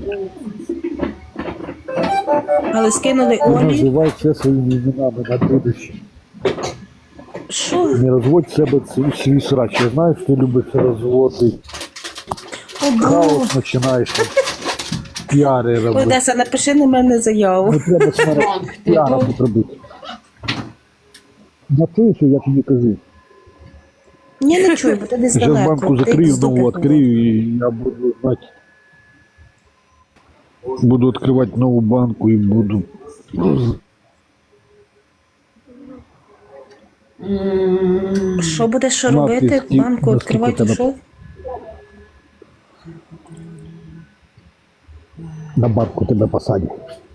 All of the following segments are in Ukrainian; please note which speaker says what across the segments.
Speaker 1: Але скинули
Speaker 2: Не
Speaker 1: Олі.
Speaker 2: називай це своїми іменами на будущее.
Speaker 1: Що?
Speaker 2: Не розводь в себе свій срач. Я знаю, що ти любиш розводити.
Speaker 1: О,
Speaker 2: Хаос починаєш. Піари робити.
Speaker 1: Одеса, напиши на мене заяву.
Speaker 2: Не треба піара тут робити. Напишу, я тобі кажу.
Speaker 1: Ні, не чую, бо ти десь
Speaker 2: Зараз
Speaker 1: далеко.
Speaker 2: банку
Speaker 1: Ти
Speaker 2: закрию,
Speaker 1: з дупи
Speaker 2: нову відкрию, і я буду знати. Буду відкривати нову банку і буду.
Speaker 1: Що будеш
Speaker 2: Надпись
Speaker 1: робити?
Speaker 2: і
Speaker 1: Банку відкривати
Speaker 2: наскільки
Speaker 1: що?
Speaker 2: На банку тебе посадять.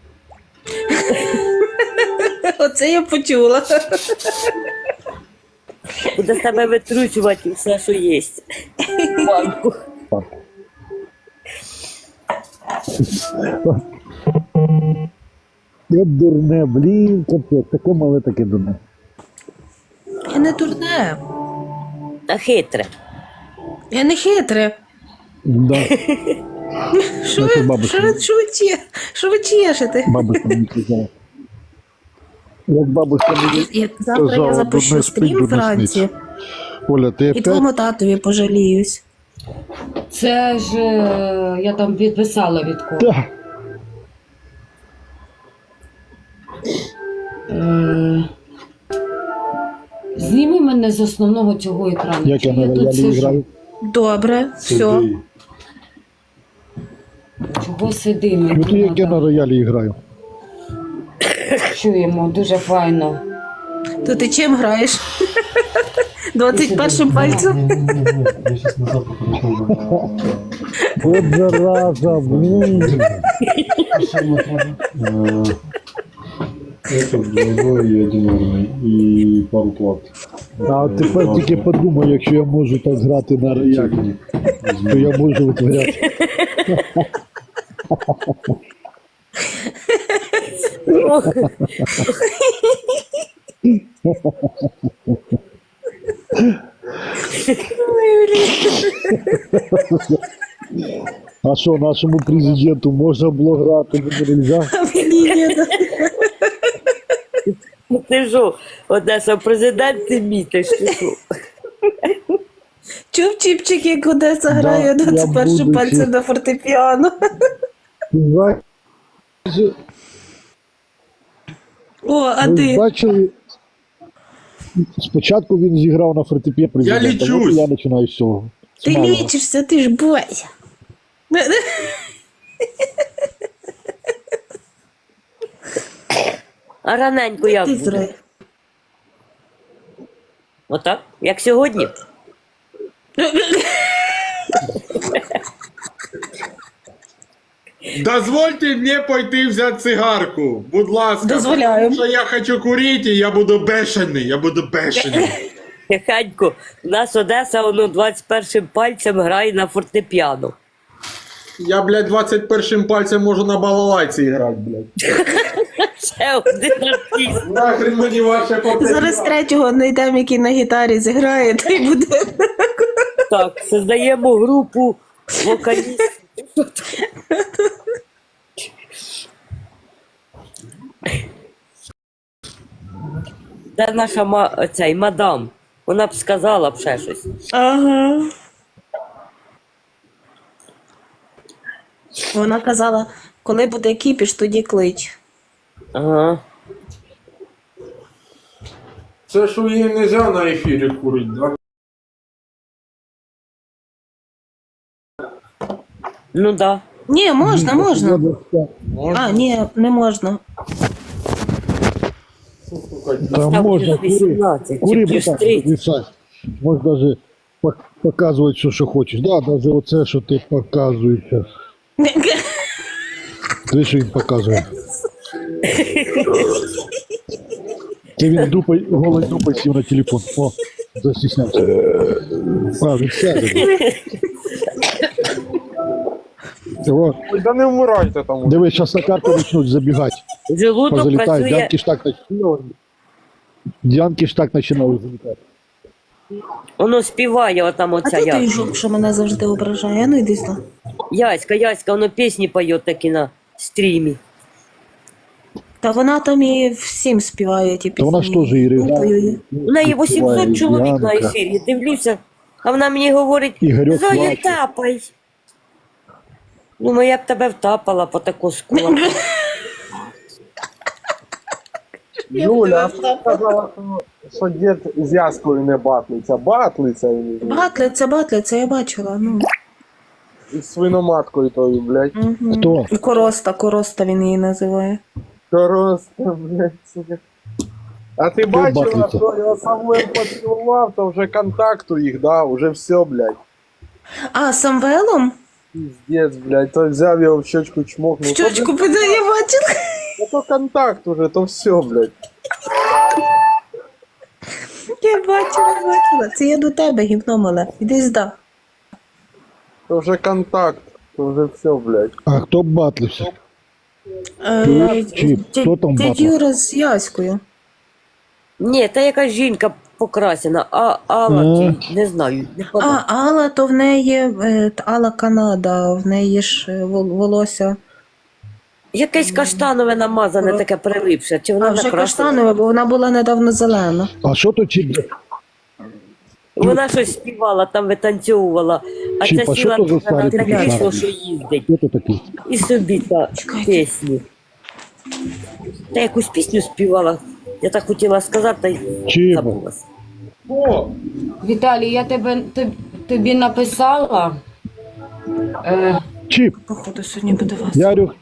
Speaker 1: Оце я почула.
Speaker 3: Буде з тебе витручувати все, що є. Банку.
Speaker 2: Я дурне, блін, капець, таке мале, таке дурне.
Speaker 1: Я не дурне.
Speaker 3: Та хитре.
Speaker 1: Я не хитре.
Speaker 2: Да,
Speaker 1: Що
Speaker 2: Наша
Speaker 1: ви,
Speaker 2: бабушка.
Speaker 1: що ви чешете?
Speaker 2: бабушка мені казала. Як бабушка мені
Speaker 1: Як завтра я
Speaker 2: казала,
Speaker 1: запишу
Speaker 2: дурне спить,
Speaker 1: стрім
Speaker 2: дурне
Speaker 1: вранці
Speaker 2: сниться. Оля, ти
Speaker 1: і
Speaker 2: опять?
Speaker 1: твоєму татові пожаліюсь.
Speaker 4: Це ж я там відписала від кого.
Speaker 2: Та,
Speaker 4: Зніми мене з основного цього екрану.
Speaker 2: як я
Speaker 4: Чого
Speaker 2: на
Speaker 4: тут
Speaker 2: роялі
Speaker 4: сижу?
Speaker 2: граю.
Speaker 1: Добре, все.
Speaker 4: Чого сидимо?
Speaker 2: Ну ти як я на роялі граю.
Speaker 4: Чуємо, дуже файно.
Speaker 1: То ти чим граєш? 21 пальцем?
Speaker 5: Я сейчас назад покажу.
Speaker 2: От зараза, блін.
Speaker 5: Это двойной и одинарный. И пару плат.
Speaker 2: А от тепер тільки подумай, якщо я можу так грати на роялі, то я можу витворяти. А що, нашому президенту можна було грати, мені нельзя?
Speaker 3: Ти що, Одеса, президент ти мій, ти що?
Speaker 1: Чув Чіпчик, як Одеса грає
Speaker 2: я
Speaker 1: 21
Speaker 2: буду
Speaker 1: пальцем
Speaker 2: ще.
Speaker 1: на фортепіано.
Speaker 2: Ви
Speaker 1: О, а ти?
Speaker 2: бачили? Спочатку він зіграв на фортепіано президента,
Speaker 6: лічусь.
Speaker 2: от я починаю з цього.
Speaker 1: Ти
Speaker 2: З малого.
Speaker 1: лічишся, ти ж бойся.
Speaker 3: А раненько як
Speaker 1: Ти
Speaker 3: буде?
Speaker 1: зря.
Speaker 3: Отак? Як сьогодні?
Speaker 6: Дозвольте мені пойти взяти цигарку, будь ласка.
Speaker 1: Дозволяємо.
Speaker 6: Тому що я хочу курити, і я буду бешений,
Speaker 3: Тихенько, у нас Одеса, воно 21 пальцем грає на фортепіано.
Speaker 6: Я, блядь, 21 пальцем можу на балалайці грати, блядь.
Speaker 3: Ще один артист.
Speaker 6: Нахрен мені ваше попитання.
Speaker 1: Зараз третього знайдемо, який на гітарі зіграє, та й буде.
Speaker 3: Так, создаємо групу вокалістів. Де наша цей мадам? Вона б сказала б ще щось.
Speaker 1: Ага. Вона казала, коли буде кіпіш, тоді клич.
Speaker 3: Ага.
Speaker 6: Це ж її не можна на ефірі курити, да?
Speaker 3: Ну да.
Speaker 1: Ні, можна, можна.
Speaker 6: Можна?
Speaker 1: А, ні, не можна.
Speaker 2: Там можна кури.
Speaker 3: 18,
Speaker 2: Кури,
Speaker 3: плюс
Speaker 2: братан,
Speaker 3: 30.
Speaker 2: Ліса. Можна навіть показувати все, що хочеш. Да, навіть оце, що ти показуєш. Ти що він показує? Це він дупой, голою дупой сів на телефон. О, застіснявся. А, він сяде. О,
Speaker 6: Да не вмирайте там.
Speaker 2: диви, зараз на карту почнуть забігати.
Speaker 3: Желудок
Speaker 2: Позалітають.
Speaker 3: працює.
Speaker 2: Дянки ж так починають залітати.
Speaker 3: Воно співає отам
Speaker 1: А
Speaker 3: оця
Speaker 1: ти той
Speaker 3: Яська.
Speaker 1: жук, що мене завжди ображає. А ну йди сюди.
Speaker 3: Яська, воно пісні поє такі на стрімі.
Speaker 1: Та вона там і всім співає ті
Speaker 2: Та
Speaker 1: пісні.
Speaker 2: вона ж теж і регулярно.
Speaker 1: Ой-ой-ой.
Speaker 3: У неї 800 чоловік на
Speaker 2: Янка.
Speaker 3: ефірі. Дивлюся, а вона мені говорить,
Speaker 2: Ігорьок
Speaker 3: Зоя,
Speaker 2: плаче.
Speaker 3: тапай. Ну, я б тебе втапала по таку скулу.
Speaker 6: Юля, а що сказала, що дід з Яскою не батлиться? Батлиться він
Speaker 1: Батлиця, я бачила. Ну.
Speaker 6: із свиноматкою тою, блядь.
Speaker 1: Угу.
Speaker 2: Хто?
Speaker 1: І Короста він її називає.
Speaker 6: Просто, блядь, сука. А ти бачила,
Speaker 2: батлиться?
Speaker 6: що його Самвел поцілував, то вже контакту їх, да, вже все, блядь.
Speaker 1: А, з Самвелом?
Speaker 6: Піздець, блядь, то взяв його в щочку чмокнув.
Speaker 1: В щочку піде, я бачила.
Speaker 6: То контакт уже, то все, блядь.
Speaker 1: Я бачила. Це я до тебе, гівно мале. Іди сюди.
Speaker 6: То вже контакт, то вже все, блядь.
Speaker 2: А хто б батлився? Чіп, хто там
Speaker 1: Дядь
Speaker 2: батлив?
Speaker 1: Юра з Яською.
Speaker 3: Ні, та якась жінка покрасена, а Алла, чи не знаю, не
Speaker 1: А,
Speaker 3: подав.
Speaker 1: Алла, то в неї Алла Канада, в неї ж волосся.
Speaker 3: Якесь каштанове намазане, таке прилипше, чи
Speaker 1: А
Speaker 3: вона
Speaker 1: вже
Speaker 3: накрасила?
Speaker 1: каштанове, бо вона була недавно зелена.
Speaker 2: А що то Чіп?
Speaker 3: Вона щось співала, там витанцьовувала, а
Speaker 2: Чіп,
Speaker 3: ця
Speaker 2: а що
Speaker 3: сіла
Speaker 2: то за
Speaker 3: на
Speaker 2: старий
Speaker 3: те
Speaker 2: такий
Speaker 3: крісло,
Speaker 2: старий?
Speaker 3: що їздить.
Speaker 2: Хто то такий?
Speaker 3: І собі та пісні. Та якусь пісню співала. Я так хотіла сказати, та й
Speaker 2: Чіпа.
Speaker 3: забулась.
Speaker 6: О,
Speaker 4: Віталій, я тобі написала.
Speaker 2: Чіп,
Speaker 1: Походу, сьогодні буде вас.
Speaker 2: Ярюх,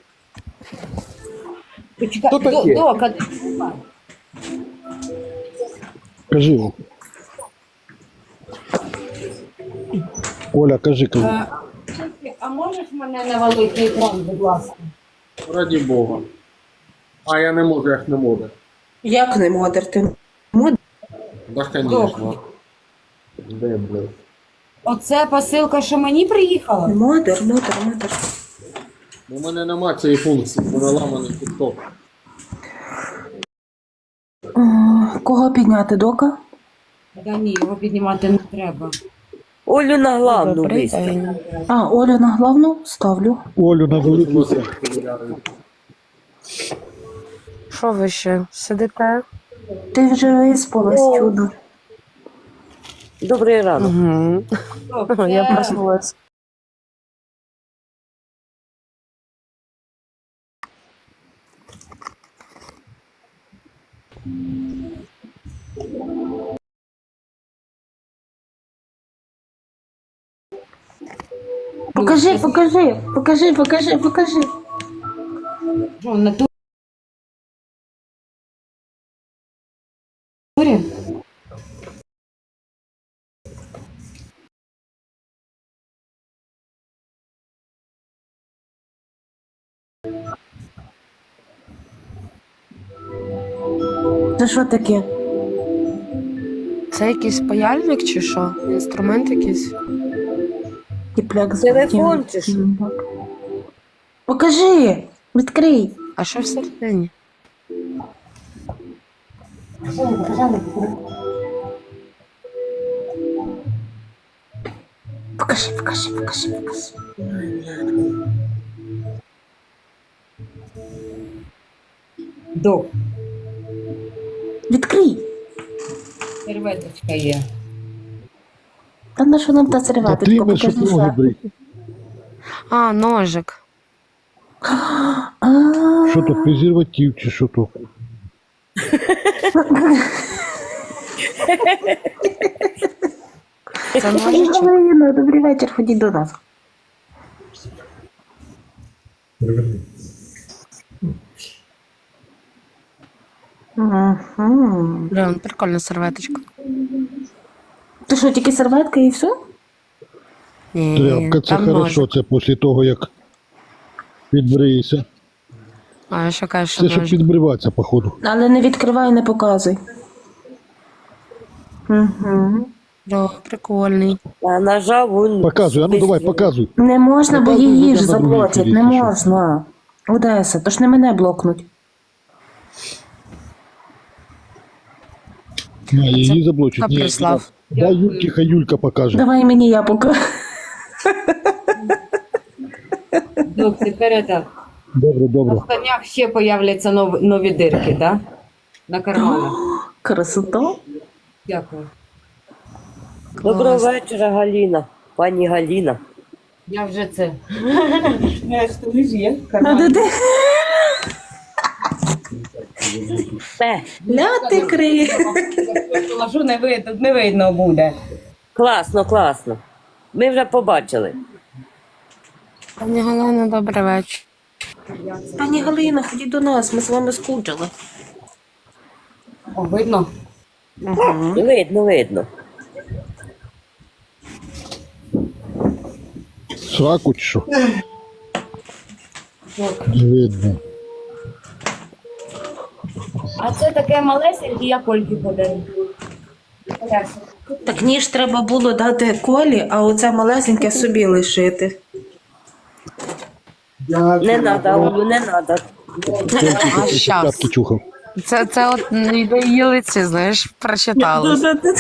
Speaker 4: Почекай,
Speaker 6: Хто таке?
Speaker 4: Дока,
Speaker 2: кажи. Оля, кажи.
Speaker 4: а можеш мене навалити на екран, будь ласка?
Speaker 6: раді Бога. А я не можу, як не можу.
Speaker 1: Як не модер? Ти модер?
Speaker 6: Да, конечно. Де, блядь?
Speaker 4: Оце посилка, що мені приїхала?
Speaker 1: Модер.
Speaker 6: У мене нема цієї функції, бо наламаний TikTok.
Speaker 1: Кого підняти, Дока?
Speaker 4: Да ні, його піднімати не треба.
Speaker 3: Олю на главну вистав.
Speaker 1: А, Олю на главну ставлю.
Speaker 2: Олю на велику.
Speaker 7: Що ви ще сидите?
Speaker 1: Ти вже виспалась, чудо.
Speaker 3: Добрий ранок.
Speaker 7: Угу. Я проснулась.
Speaker 1: Покажи.
Speaker 4: Що, на турі?
Speaker 1: Це що таке?
Speaker 7: Це якийсь паяльник чи що? Інструмент якийсь?
Speaker 1: Тіпляк з
Speaker 3: Телефон чи що?
Speaker 1: Покажи! Відкрий!
Speaker 7: А що всередині?
Speaker 1: Покажи.
Speaker 4: Док,
Speaker 1: Відкрий!
Speaker 4: серветочка є.
Speaker 1: Та на що нам та
Speaker 2: Та
Speaker 1: серветочка?
Speaker 2: ти щоб
Speaker 1: Покажи.
Speaker 2: ноги брить.
Speaker 7: А, ножик.
Speaker 1: А,
Speaker 2: Що то, презерватив чи що то?
Speaker 7: Це ножичок.
Speaker 1: Галина, добрий вечір, ходіть до нас. Угу.
Speaker 7: Блін, прикольна серветочка.
Speaker 1: Ти що, тільки серветка і все?
Speaker 7: Ні,
Speaker 2: Тряпка, це
Speaker 7: там
Speaker 2: хорошо,
Speaker 7: ножик.
Speaker 2: це після того, як підбриєшся.
Speaker 7: А я що кажу, що
Speaker 2: Це щоб
Speaker 7: ножик.
Speaker 2: підбриватися, походу.
Speaker 1: Але не відкривай, не показуй. Угу.
Speaker 7: О, прикольний.
Speaker 3: А нажав, він...
Speaker 2: Показуй, а ну давай, показуй.
Speaker 1: Не можна, бо
Speaker 2: Показуй,
Speaker 1: її
Speaker 2: людям
Speaker 1: ж
Speaker 2: на другий
Speaker 1: заблочать,
Speaker 2: ефірі,
Speaker 1: не
Speaker 2: ти що?
Speaker 1: можна. Одеса, то ж не мене блокнуть.
Speaker 2: А, її заблочить.
Speaker 7: Хто
Speaker 2: Ні,
Speaker 7: прислав?
Speaker 2: Дай Юльки, хай Юлька покаже.
Speaker 1: Давай мені я покажу.
Speaker 4: Ну, тепер это,
Speaker 2: Добре,
Speaker 4: на
Speaker 2: добре.
Speaker 4: штанях ще появляться нові дирки, да? На карманах.
Speaker 1: Красота.
Speaker 4: Дякую.
Speaker 3: Доброго вечора, Галіна. Пані Галіна.
Speaker 4: Я вже це.
Speaker 1: Де? Ля ти кри.
Speaker 4: Положу, не видно буде.
Speaker 3: Класно, класно. Ми вже побачили.
Speaker 7: Пані Галина, добрий вечір.
Speaker 1: Пані Галина, ходіть до нас, ми з вами скучили.
Speaker 4: О, видно?
Speaker 3: Видно, видно.
Speaker 2: Сраку чи що? Не видно.
Speaker 4: А це таке малесеньке, я Кольки подарю.
Speaker 1: Так ніж треба було дати Колі, а оце малесеньке собі лишити.
Speaker 3: Не надо, Олю, не надо.
Speaker 7: А щас.
Speaker 2: П'ятки чухав.
Speaker 7: Це от до її лиці, знаєш, прочитали.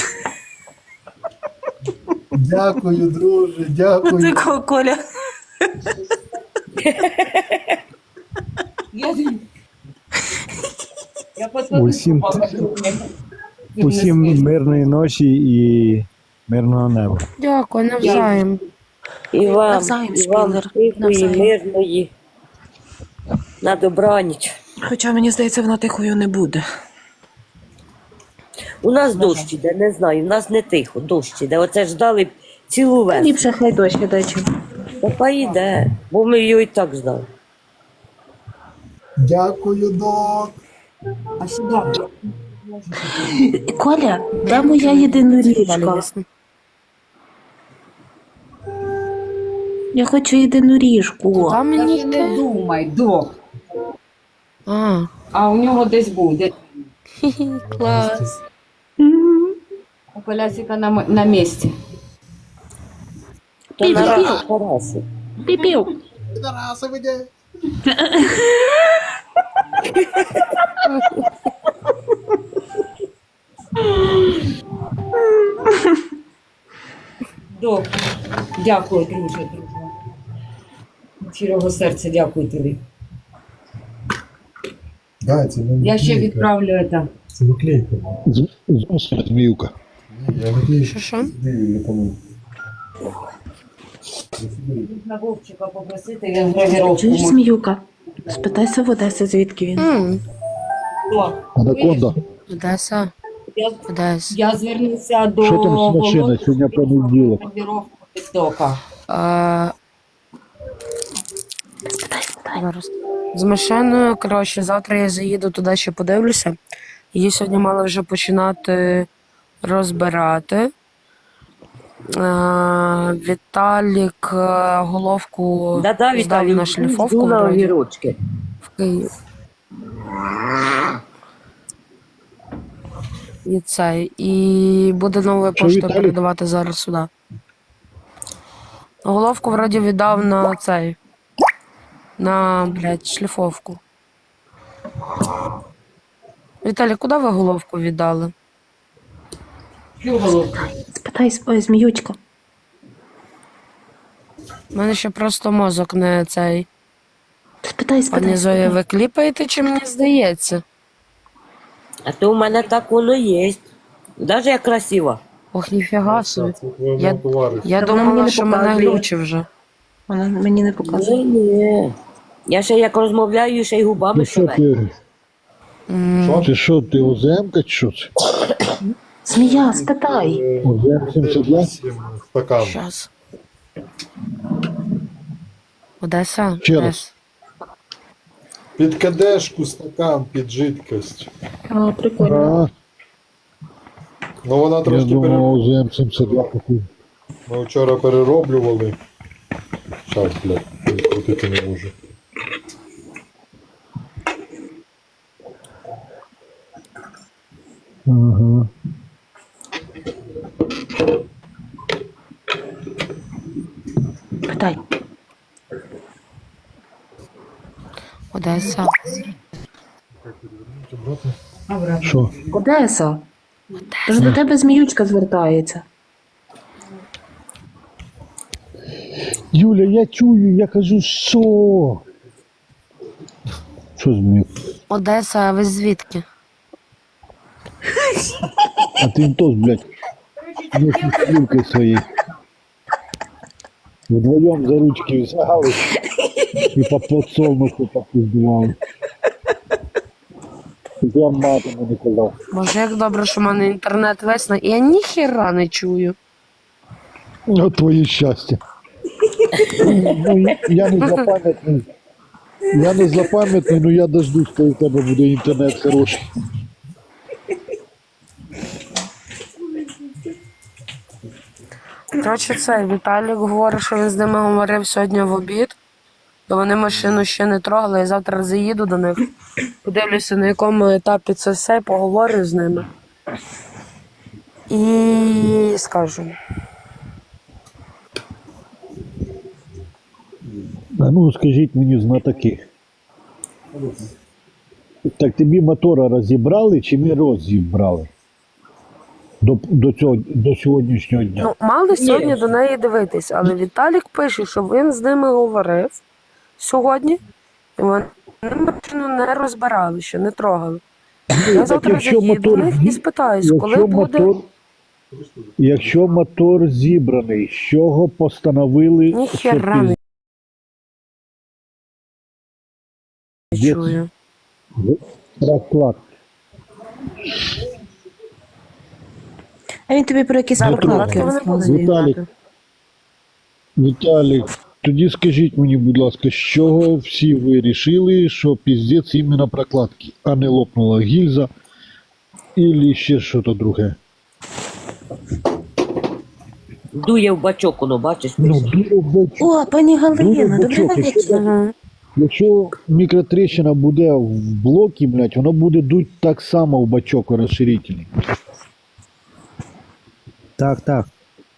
Speaker 5: Дякую, друже, дякую.
Speaker 1: Такого Коля.
Speaker 4: Я посмотрю.
Speaker 8: Усім мирної ночі і мирного неба.
Speaker 7: Дякую, навзаєм.
Speaker 3: І вам,
Speaker 1: Навзаєм,
Speaker 3: і вам
Speaker 1: Шпілер,
Speaker 3: тихої,
Speaker 1: навзаєм.
Speaker 3: мирної. На добраніч.
Speaker 1: Хоча мені здається, вона тихою не буде.
Speaker 3: У нас дощ іде, не знаю, у нас не тихо, дощ іде. Оце ждали цілу весну.
Speaker 1: Ліпше хай дощ іде, чим.
Speaker 3: Та йде, бо ми його і так ждали.
Speaker 5: Дякую, док.
Speaker 4: А сюди.
Speaker 1: Коля, де моя єдиноріжка? Я хочу єдиноріжку.
Speaker 7: Там мені
Speaker 4: Навіть не думай, док.
Speaker 7: А,
Speaker 4: А у нього десь буде.
Speaker 7: клас.
Speaker 4: У Колясика на місці.
Speaker 3: То на раз Тараси.
Speaker 1: Піпів.
Speaker 4: Док. Дякую, друже. Щирого серця дякую тобі.
Speaker 5: Да, це не
Speaker 4: Я ще
Speaker 5: наклейка.
Speaker 4: відправлю це.
Speaker 5: Це наклейка.
Speaker 2: Зміюка.
Speaker 5: Ні, я наклейку.
Speaker 7: Що?
Speaker 5: Не помню.
Speaker 4: На Вовчика попросити, він гравіровку.
Speaker 1: Чуєш, Зміюка? Спитайся в Одесі, звідки він.
Speaker 2: Анаконда.
Speaker 7: Одеса. Одеса.
Speaker 4: Я звернуся до
Speaker 2: Що там з машиною?
Speaker 4: Володьки,
Speaker 2: Сьогодні понеділок.
Speaker 4: гравіровку від дока.
Speaker 7: Зараз. З машиною, коротше, завтра я заїду туди, ще подивлюся. Її сьогодні мали вже починати розбирати. Віталік головку
Speaker 3: Да-да,
Speaker 7: здав
Speaker 3: Віталій,
Speaker 7: на шліфовку
Speaker 3: жду на
Speaker 7: вроді,
Speaker 3: огірочки.
Speaker 7: в Київ. І цей. І буде новою
Speaker 2: Що,
Speaker 7: поштою
Speaker 2: Віталік?
Speaker 7: передавати зараз сюди. Головку вроді віддав на цей. На, блядь, шліфовку. Віталій, куди ви головку віддали?
Speaker 4: Чу головку.
Speaker 1: Спитай, ой, Зміючка.
Speaker 7: У мене ще просто мозок не цей.
Speaker 1: Спитай,
Speaker 7: Пані Зоя, ви кліпаєте, чи мені здається?
Speaker 3: А то у мене так воно є. Даже як красиво.
Speaker 7: Ох, ніфіга собі.
Speaker 5: Це твоєму
Speaker 7: Я-
Speaker 5: товаришу.
Speaker 7: Я
Speaker 1: Та вона мені
Speaker 7: думала,
Speaker 1: не
Speaker 7: що мене
Speaker 1: показує.
Speaker 7: глючить вже.
Speaker 1: Вона мені не показує.
Speaker 3: Ні. Я ще як розмовляю, ще й губами
Speaker 2: Ти що
Speaker 3: шевелю.
Speaker 2: ти? Ти що, ти ОЗМ-ка чи що це?
Speaker 1: Змія, спитай.
Speaker 2: ОЗМ 72?
Speaker 5: Стакан.
Speaker 7: Щас. Одеса?
Speaker 2: Ще раз.
Speaker 7: Одеса.
Speaker 5: Під кадешку стакан, під жидкость.
Speaker 1: А, прикольно.
Speaker 5: Ну вона
Speaker 2: Я
Speaker 5: трошки
Speaker 2: думав, ОЗМ 72 такий.
Speaker 5: Ми вчора перероблювали. Щас, блядь, крутити не можу.
Speaker 2: Ага.
Speaker 1: Питай.
Speaker 7: Одеса.
Speaker 2: Що?
Speaker 1: Одеса.
Speaker 7: Одеса.
Speaker 1: Тож до тебе зміючка звертається.
Speaker 2: Юля, я чую, я кажу, що? Що з мене?
Speaker 7: Одеса, а ви звідки?
Speaker 2: А ти теж, блядь, не стрілки свої. Вдвоєм за ручки взяли і по подсолнуху попіздували. Я матиму не казав.
Speaker 7: Боже, як добре, що в мене інтернет весь на... Я ніхіра не чую.
Speaker 2: От твоє щастя. Ну, я не злопам'ятний. Я не злопам'ятний, але я дождусь, коли в тебе буде інтернет хороший.
Speaker 7: Коротше, цей Віталік говорить, що він з ними говорив сьогодні в обід, то вони машину ще не трогали, я завтра заїду до них, подивлюся, на якому етапі це все, поговорю з ними. І скажу.
Speaker 2: А ну, скажіть мені знатоки. Так тобі мотора розібрали чи не розібрали? До сьогоднішнього дня.
Speaker 7: Ну, мали сьогодні до неї дивитись, але Віталік пише, що він з ними говорив сьогодні, і вони машину не розбирали, ще не трогали. Я завтра
Speaker 2: якщо
Speaker 7: заїду до
Speaker 2: мотор
Speaker 7: них і спитаюсь, коли
Speaker 2: якщо
Speaker 7: буде...
Speaker 2: якщо мотор зібраний, з чого постановили,
Speaker 7: Ніхера не чую.
Speaker 2: розклад?
Speaker 1: А він тобі про якісь
Speaker 2: Віталік,
Speaker 1: прокладки
Speaker 7: вони
Speaker 1: розказує.
Speaker 2: Віталік, Віталік, тоді скажіть мені, будь ласка, з чого всі ви рішили, що піздець іменно прокладки, а не лопнула гільза і ще щось друге?
Speaker 3: Дує в бачок, воно, бачиш,
Speaker 2: Ну,
Speaker 3: пише.
Speaker 2: дуже бачу.
Speaker 1: О, пані Галина, добрий
Speaker 2: бачок,
Speaker 1: вечір.
Speaker 7: Угу.
Speaker 2: Якщо мікротрещина буде в блокі, блядь, воно буде дуть так само в бачок розширительний.
Speaker 8: Так, так.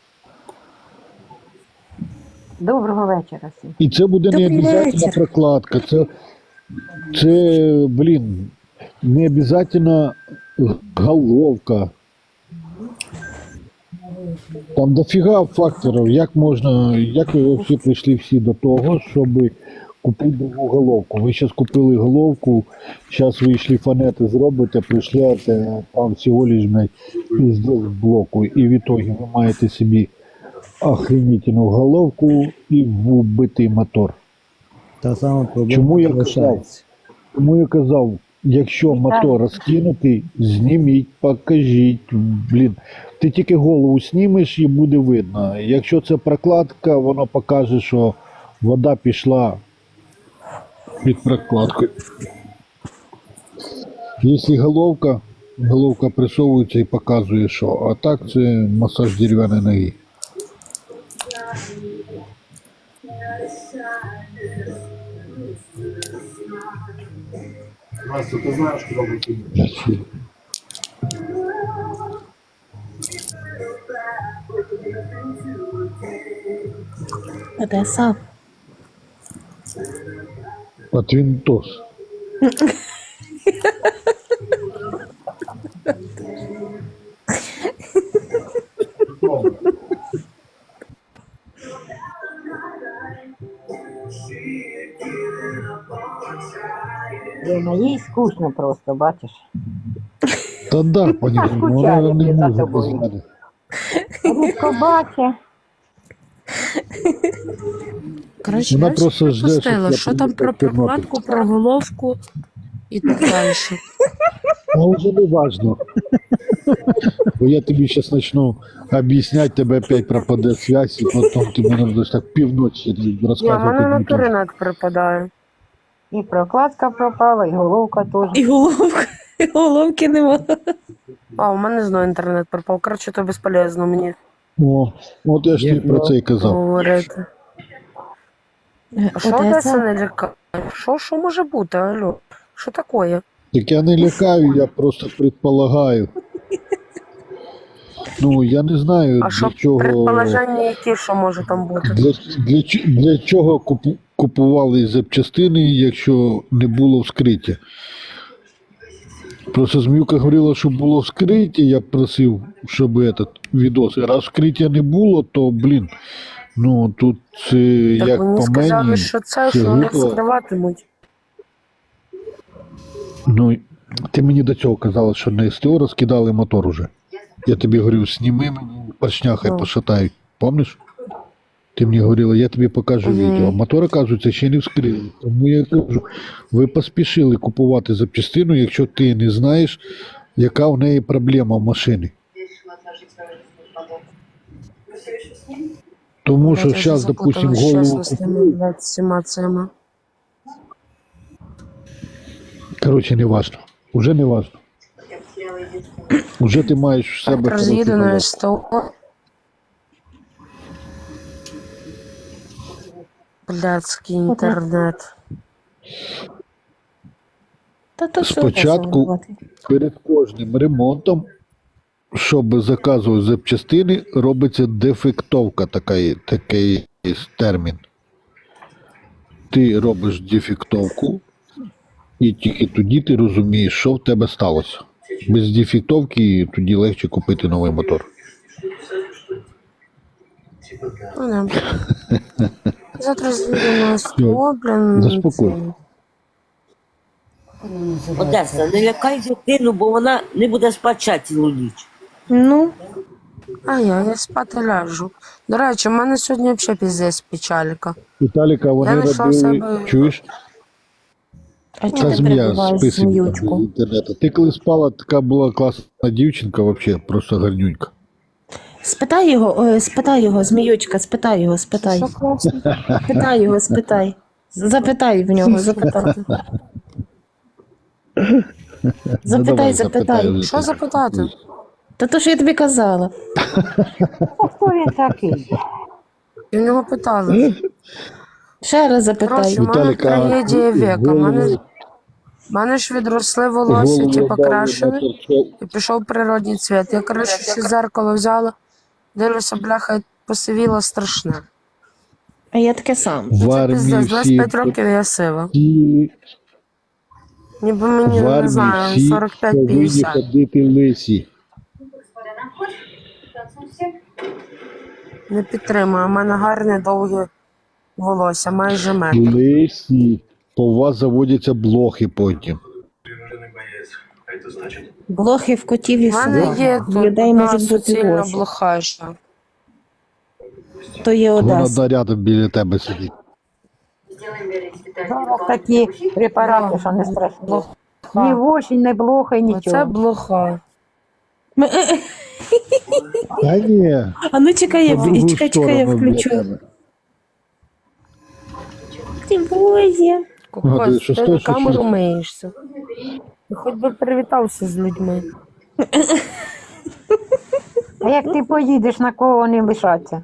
Speaker 9: Доброго вечора всім.
Speaker 2: І це буде не
Speaker 1: Добрий
Speaker 2: обов'язково
Speaker 1: вечір.
Speaker 2: прокладка. Це, блін, не обов'язково головка. Там дофіга факторів. Як ви взагалі прийшли всі до того, щоб купити другу головку? Ви зараз купили головку, зараз ви йшли фанети зробите, прийшляєте, там всього лиш, блядь, пиздець блоку. І в ітогі ви маєте собі охренительну головку і вбитий мотор.
Speaker 8: Та сама проблема
Speaker 2: Чому я
Speaker 8: залишається.
Speaker 2: Тому я казав, якщо мотор розкинутий, зніміть, покажіть. Блін, ти тільки голову знімеш і буде видно. Якщо це прокладка, воно покаже, що вода пішла під прокладкою. Якщо головка присовується і показує, що. А так це масаж дерев'яної ноги.
Speaker 5: Настя, ти знаєш, куди викинути?
Speaker 1: Одеса.
Speaker 2: От Вінтос.
Speaker 9: Лена, їй скучно просто, бачиш.
Speaker 2: Та да, пані, вона не
Speaker 9: Скучаю за
Speaker 2: може
Speaker 9: тобою.
Speaker 2: без мене.
Speaker 9: Рідко бачить.
Speaker 7: Коротше,
Speaker 2: Вона
Speaker 7: я
Speaker 2: просто
Speaker 7: просто
Speaker 2: жде, щоб
Speaker 7: пропустила,
Speaker 2: я
Speaker 7: що там про
Speaker 2: приїхав в Тернопіль.
Speaker 7: прокладку, про головку і так далі.
Speaker 2: А вже не важно. Бо я тобі зараз почну об'ясняти, тебе опять пропаде связь, і потім ти мене будеш так півночі
Speaker 7: Ні, в мене
Speaker 2: розказувати.
Speaker 7: на інтернет припадає.
Speaker 9: І прокладка пропала, і головка теж.
Speaker 1: І головка. І головки нема.
Speaker 7: А, у мене знову інтернет пропав. Коротше, то безполезно мені
Speaker 2: О, от я ж тобі про це і казав.
Speaker 7: говорити. А що Одеса
Speaker 1: Одеса.
Speaker 7: не лякає? Що може бути, алло? Що таке?
Speaker 2: Так я не лякаю, я просто предполагаю. Ну, я не знаю,
Speaker 7: А
Speaker 2: для
Speaker 7: що
Speaker 2: чого,
Speaker 7: предположення які, що може там бути?
Speaker 2: для чого купували запчастини, якщо не було вскриття. Просто Зміюка говорила, що було вскриття, я просив, щоб этот відос. Раз вскриття не було, то, блін, ну тут це
Speaker 7: Так
Speaker 2: як
Speaker 7: мені
Speaker 2: по
Speaker 7: сказали,
Speaker 2: мені,
Speaker 7: що це,
Speaker 2: це
Speaker 7: що вони
Speaker 2: глупо.
Speaker 7: вскриватимуть.
Speaker 2: Ну, ти мені до цього казала, що на СТО розкидали мотор уже. Я тобі говорю, сніми мені поршня, хай
Speaker 7: Ну.
Speaker 2: пошатають. Помниш? Ти мені говорила, я тобі покажу відео. Мотор, оказується, ще не вскрили. Тому я кажу, ви поспішили купувати запчастину, якщо ти не знаєш, яка в неї проблема в машині. Тому що
Speaker 7: Блядь, я
Speaker 2: зараз,
Speaker 7: вже
Speaker 2: допустим,
Speaker 7: запуталась,
Speaker 2: голову
Speaker 7: чесно, з тими,
Speaker 2: купують.
Speaker 7: блядь, всіма цими.
Speaker 2: Коротше, не важно. Уже не важно. Уже ти маєш в себе.
Speaker 7: Так,
Speaker 2: коротше,
Speaker 7: роз'їду на
Speaker 2: голову.
Speaker 7: СТО. Блядський інтернет.
Speaker 1: Та то що
Speaker 2: Спочатку
Speaker 1: засовувати?
Speaker 2: перед кожним ремонтом, щоб заказувати запчастини, робиться дефектовка, такий є термін. Ти робиш дефектовку, і тільки тоді ти розумієш, що в тебе сталося. Без дефектовки тоді легше купити новий мотор.
Speaker 7: Ну, да. Завтра з'їду на СТО, блін.
Speaker 2: Заспокойся.
Speaker 3: Одеса, не лякай дитину, бо вона не буде спати цілу ніч.
Speaker 1: Ну,
Speaker 7: А я спати ляжу. До речі, в мене сьогодні взагалі піздець печалька.
Speaker 2: Віталіка, вони
Speaker 7: Я знайшла
Speaker 2: робили,
Speaker 7: себе-
Speaker 2: чуєш,
Speaker 1: а
Speaker 2: та
Speaker 1: чого ти
Speaker 2: змія з
Speaker 1: перебуваєш
Speaker 2: писем з
Speaker 1: зміючку?
Speaker 2: інтернету. Ти коли спала, така була класна дівчинка, взагалі, просто гарнюнька.
Speaker 1: Спитай його, зміючка, спитай його, спитай.
Speaker 7: Що класно?
Speaker 1: Спитай його, спитай. Запитай в нього, запитай.
Speaker 2: Ну, давай,
Speaker 1: Запитай.
Speaker 2: вже
Speaker 7: Що
Speaker 2: ти.
Speaker 7: запитати?
Speaker 1: Та то, що я тобі казала.
Speaker 9: Хто він такий?
Speaker 7: І в нього питали.
Speaker 1: Ще раз запитай.
Speaker 7: Коротше, в мене
Speaker 2: Віталік, а
Speaker 7: трагедія віка.
Speaker 2: голову-
Speaker 7: В мене ж відросли волосся,
Speaker 2: голову
Speaker 7: типу,
Speaker 2: дали
Speaker 7: крашені,
Speaker 2: на торчок.
Speaker 7: і пішов природній цвіт. Я, коротше, ще зеркало взяла, дивлюся, бляха, посивіла страшне.
Speaker 1: А я таке сам.
Speaker 2: В
Speaker 7: Це
Speaker 2: армії
Speaker 7: піздець,
Speaker 2: всі,
Speaker 7: 25 років я сива.
Speaker 2: всі,
Speaker 7: Ніби мені,
Speaker 2: в
Speaker 7: не
Speaker 2: армії
Speaker 7: знаю,
Speaker 2: всі повинні
Speaker 7: 45-50.
Speaker 2: ходити лисі.
Speaker 7: Не підтримую, у мене гарне довге волосся, майже метр.
Speaker 2: Лисі. По вас заводяться блохи потім.
Speaker 1: Блохи в котів і
Speaker 7: У мене
Speaker 1: собак.
Speaker 7: є
Speaker 1: В
Speaker 7: тут
Speaker 1: людей
Speaker 7: одна
Speaker 1: можуть бути
Speaker 7: суцільна
Speaker 1: блохи.
Speaker 7: блохаша.
Speaker 1: То є
Speaker 2: Вона
Speaker 1: Одеса.
Speaker 2: рядом біля тебе сидить.
Speaker 9: Зараз такі препарати, що не страшно. Ні вошень, не блохай,
Speaker 7: Оце
Speaker 9: нічого.
Speaker 7: блоха.
Speaker 2: Та ні.
Speaker 1: А ну чекай,
Speaker 2: По другу
Speaker 1: чекай, я
Speaker 2: сторону
Speaker 1: включу.
Speaker 2: біля тебе.
Speaker 1: Ти боже.
Speaker 2: Гадаю,
Speaker 7: Кокос,
Speaker 2: що
Speaker 7: ти
Speaker 2: стой,
Speaker 7: на
Speaker 2: що
Speaker 7: камеру
Speaker 2: що?
Speaker 7: миєшся. Ти хоч би привітався з людьми.
Speaker 9: А як ти поїдеш, на кого вони лишаться?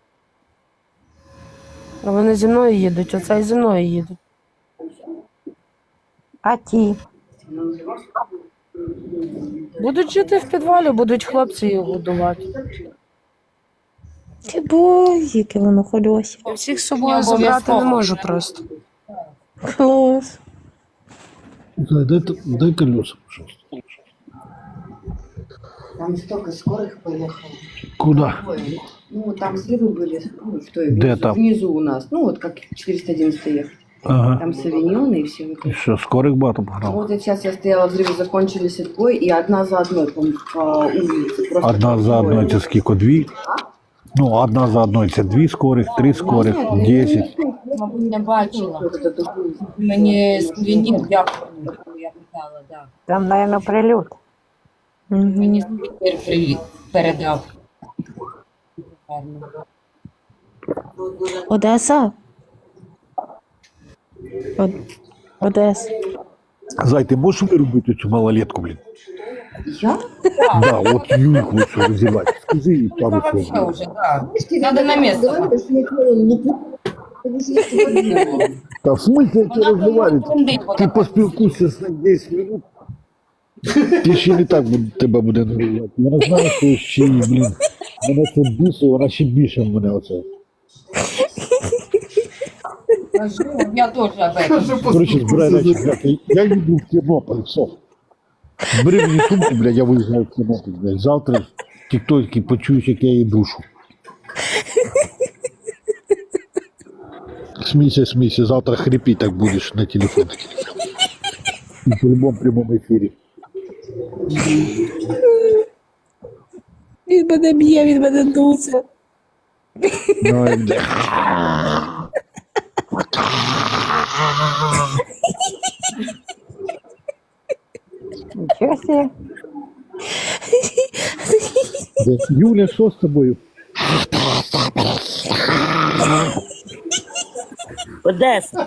Speaker 7: А вони зі мною їдуть, оце і зі мною їдуть.
Speaker 9: А ті?
Speaker 7: Будуть жити в підвалі, будуть хлопці їх годувати.
Speaker 1: Ти боже, яке воно хольося.
Speaker 7: Я всіх з собою забрати не можу просто.
Speaker 1: Клас.
Speaker 2: Дай колеса, пожалуйста.
Speaker 10: Там столько скорых поехало.
Speaker 2: Куда?
Speaker 10: Ну, там сливы были, ну, что и
Speaker 2: Где
Speaker 10: внизу,
Speaker 2: там?
Speaker 10: внизу у нас. Ну, вот как 411 ехать.
Speaker 2: Ага.
Speaker 10: Там савиньоны и все.
Speaker 2: І що, скорих багато погнав?
Speaker 10: Вот сейчас я стояла, взрывы закончились отбой, и одна за одной по улице. Просто
Speaker 2: Одна за
Speaker 10: отбой.
Speaker 2: одною це скільки? Дві? Ну, одна за одною це 2 скорих, 3 скорих, 10.
Speaker 4: Не бачила.
Speaker 10: Вот это такое.
Speaker 4: Мені скрінів дякую, я питала, да.
Speaker 9: Там, мабуть, прильот.
Speaker 4: Мені спікер передав. Гарно.
Speaker 1: Одеса? Одеса.
Speaker 2: Зай, ти можеш виробити цю малолетку, блін?
Speaker 10: Я?
Speaker 2: Да, от Юльку ось розірвати. Скажи їй пару
Speaker 4: Вообще
Speaker 2: слов.
Speaker 4: уже, да. Надо на место.
Speaker 10: Говорю, что я делала, ну, потому что я этого не делала.
Speaker 2: Та в смысле як ти розмовляєш?
Speaker 4: трендить,
Speaker 2: Ти поспілкуйся з ним 10 минут. Ти ще не так тебе буде нервувати. Вона знає, що ще, блін, мене це бісить, вона ще більше мене оце.
Speaker 4: Я тоже об этом.
Speaker 2: Коротше, збирай речі, блядь, я їду в Тернопіль, все. Бери мені сумку, блядь, я виїжджаю в кімнату, блядь. Завтра тіктоки почуєш, як я її душу. Смійся, завтра хрипи так будеш на телефон. І по любому прямому ефірі.
Speaker 1: Він мене б'є, він мене дуться.
Speaker 2: Ну, і бля.
Speaker 9: Нічого себе.
Speaker 2: Юля, що з тобою?
Speaker 3: Одеса.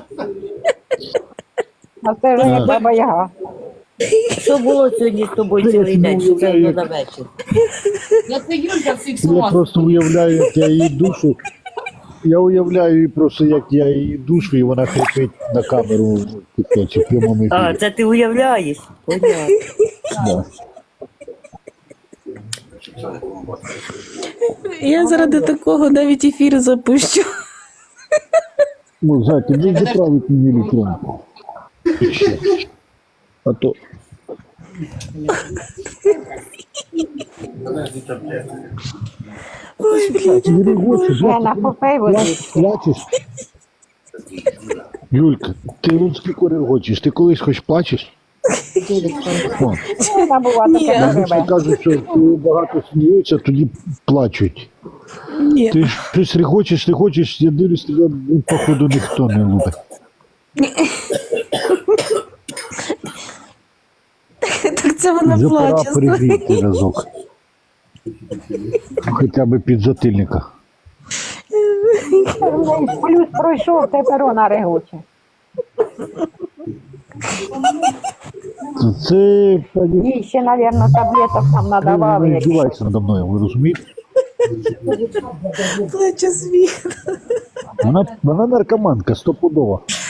Speaker 9: А це вже не баба Яга.
Speaker 3: Що було сьогодні з тобою цілий день? Що це було на вечір?
Speaker 4: Я це Юлька всіх
Speaker 2: Я
Speaker 4: слов.
Speaker 2: просто уявляю, як я її душу. Я уявляю її просто, як я її душу, і вона хрипить на камеру в тіктоці, в прямому
Speaker 3: А,
Speaker 2: ефірі.
Speaker 3: це ти уявляєш? Понятно.
Speaker 2: Да.
Speaker 1: Я заради такого навіть ефір запущу.
Speaker 2: Ну, Зайка, не заправить мені електронку. Ще. А то... Не регочеш,
Speaker 9: Я на попей води.
Speaker 2: плачеш. Юлька, ти вон скільки регочеш, ти колись хоч плачеш? О,
Speaker 9: Вона була така
Speaker 2: обично
Speaker 9: рибе.
Speaker 2: кажуть, що коли багато сміються, тоді плачуть.
Speaker 1: Ні.
Speaker 2: Ти ж щось регочеш, я дивлюсь, тебе, походу, ніхто не любить.
Speaker 1: Так це вона
Speaker 2: Вже пора
Speaker 1: плаче.
Speaker 2: перегріти разок. Хоча б під затильника.
Speaker 9: Плюс пройшов, тепер вона регоче.
Speaker 2: Це, пані,
Speaker 9: Їй ще, мабуть, таблеток там надавали.
Speaker 2: не
Speaker 9: якісь.
Speaker 2: здівається надо мною, ви розумієте?
Speaker 1: Плаче світ.
Speaker 2: Вона наркоманка, стопудова.